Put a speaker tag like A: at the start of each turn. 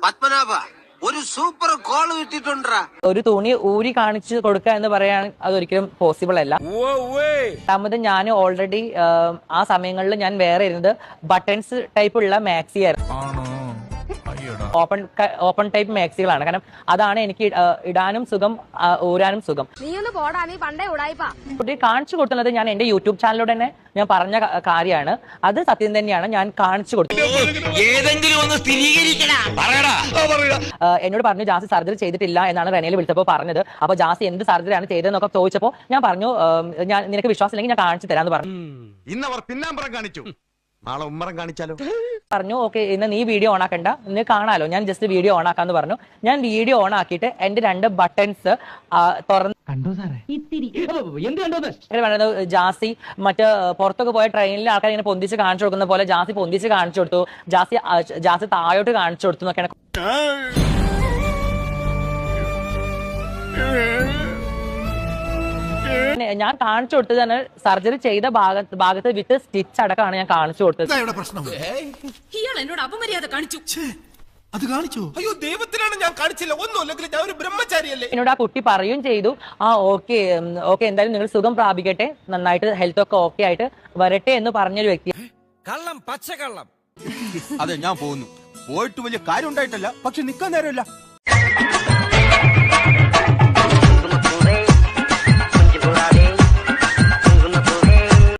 A: പത്മനാഭ ഒരു super call കിട്ടിട്ടുണ്ടാ.
B: ഒരു തുണി ഊരി കാണിച്ചു കൊടുക്കുക എന്ന് പറയാൻ അതൊരിക്കലും പോസിബിൾ അല്ല. രണ്ടാമത് ഞാൻ ഓൾറെഡി ആ സമയങ്ങളിൽ ഞാൻ വേറെ ഇരുന്നത് ബട്ടൺസ് ടൈപ്പ് ഉള്ള മാക്സി ആയിരുന്നു. ഓപ്പൺ ടൈപ്പ് മാക്സികളാണ്. കാരണം അതാണ് എനിക്ക് ഇടാനും സുഖം, ഊരാനും സുഖം. കാണിച്ചു കൊടുക്കുന്നത് ഞാൻ എന്റെ യൂട്യൂബ് ചാനലിലൂടെ തന്നെ ഞാൻ പറഞ്ഞ കാര്യമാണ്. അത് സത്യം തന്നെയാണ്. ഞാൻ കാണിച്ചു കൊടുത്തു. എന്നോട് പറഞ്ഞു ജാസി സർജറി ചെയ്തിട്ടില്ല എന്നാണ് റെനയിൽ വിളിച്ചപ്പോൾ പറഞ്ഞത്. അപ്പൊ ജാസി എന്ത് സർജറിയാണ് ചെയ്തതെന്നൊക്കെ ചോദിച്ചപ്പോൾ ഞാൻ പറഞ്ഞു ഞാൻ നിനക്ക് വിശ്വാസമില്ലെങ്കിൽ ഞാൻ കാണിച്ചു തരാന്ന് പറഞ്ഞു.
C: ഇന്നവർ പിന്നാമ്പറം കാണിച്ചു, നാളെ ഉമ്മറം കാണിച്ചാലോ
B: പറഞ്ഞു. ഓക്കെ, ഇന്ന് നീ വീഡിയോ ഓൺ ആക്കണ്ട, നീ കാണാലോ, ഞാൻ ജസ്റ്റ് വീഡിയോ ഓൺ ആക്കാന്ന് പറഞ്ഞു. ഞാൻ വീഡിയോ ഓൺ ആക്കിയിട്ട് എന്റെ 2 ബട്ടൺസ് തുറന്ന് ജാസി മറ്റ് പുറത്തൊക്കെ പോയ ട്രെയിനിൽ ആൾക്കാർ ഇങ്ങനെ പൊന്തിച്ച് കാണിച്ചു കൊടുക്കുന്ന പോലെ ജാസി പൊന്തിച്ച് കാണിച്ചു കൊടുത്തു. ജാസി താഴോട്ട് കാണിച്ചു കൊടുത്തു എന്നൊക്കെയാണ്. ഞാൻ കാണിച്ചു കൊടുത്തത് തന്നെ സർജറി ചെയ്ത ഭാഗത്ത് വിത്ത് സ്റ്റിച്ച് അടക്കമാണ് ഞാൻ കാണിച്ചു കൊടുത്തത്.
D: അത് കാണിച്ചു. അയ്യോ ദൈവത്തിനാണ് ഞാൻ കാണിച്ചില്ല, ഒന്നുമില്ലെങ്കിൽ ഞാൻ ഒരു ബ്രഹ്മചാരിയല്ലേ.
B: എന്നോട് ആ കുട്ടി പറയുകയും ചെയ്തു, ഓക്കെ എന്തായാലും നിങ്ങൾ സുഖം പ്രാപിക്കട്ടെ, നന്നായിട്ട് ഹെൽത്ത് ഒക്കെ ഓക്കെ ആയിട്ട് വരട്ടെ എന്ന് പറഞ്ഞൊരു വ്യക്തി.
C: കള്ളം, പച്ചക്കള്ളം. അതെ, ഞാൻ പോകുന്നു. പോയിട്ട് വലിയ കാര്യം ഉണ്ടായിട്ടല്ല, പക്ഷെ നിക്കാൻ നേരമില്ല.